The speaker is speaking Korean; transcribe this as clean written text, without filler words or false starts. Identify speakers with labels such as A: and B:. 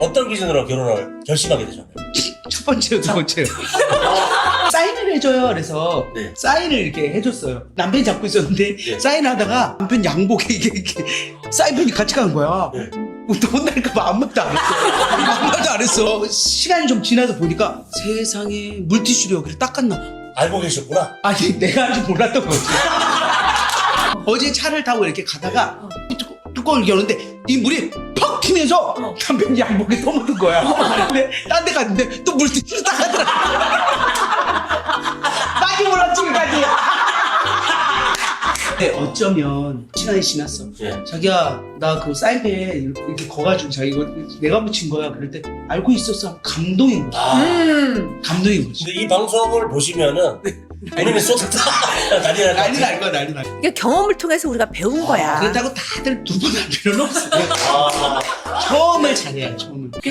A: 어떤 기준으로 결혼을 결심하게 되셨나요?
B: 첫 번째요, 두 번째요. 사인을 해줘요. 그래서
A: 네.
B: 사인을 이렇게 해줬어요. 남편이 잡고 있었는데
A: 네.
B: 사인하다가 남편 양복에 이게 사인펜이 같이 가는 거야.
A: 네.
B: 또 혼날까봐 아무 말도 안 했어. 아무 말도 안 했어. 시간이 좀 지나서 보니까 세상에 물티슈로 그래 닦았나 봐.
A: 알고 계셨구나.
B: 아니 내가 아직 몰랐던 거지. 어제 차를 타고 이렇게 가다가 뚜껑을 여는데 이 물이 퍽 튀면서 남편 양복에 떠묻은 거야. 근데 딴 데 갔는데 또 물티슈로 닦았더라. 나도 몰라 지금까지. 근데 어쩌면 시간이 지났어.
A: 예.
B: 자기야 나 그 사인펜 이렇게 거가지고 자기 이거 내가 묻힌 거야. 그럴 때 알고 있었어. 감동인 거지. 감동인 거지.
A: 근데 이 방송을 보시면은 본인이 쏟았다 난리 날 것
B: 난리
A: 같아요.
B: 날 거야 난리 날 거야.
C: 그러니까 경험을 통해서 우리가 배운 거야.
B: 그렇다고 다들 두 번 할 필요는 없어.
A: 아.
B: 처음을 잘해야 처음을.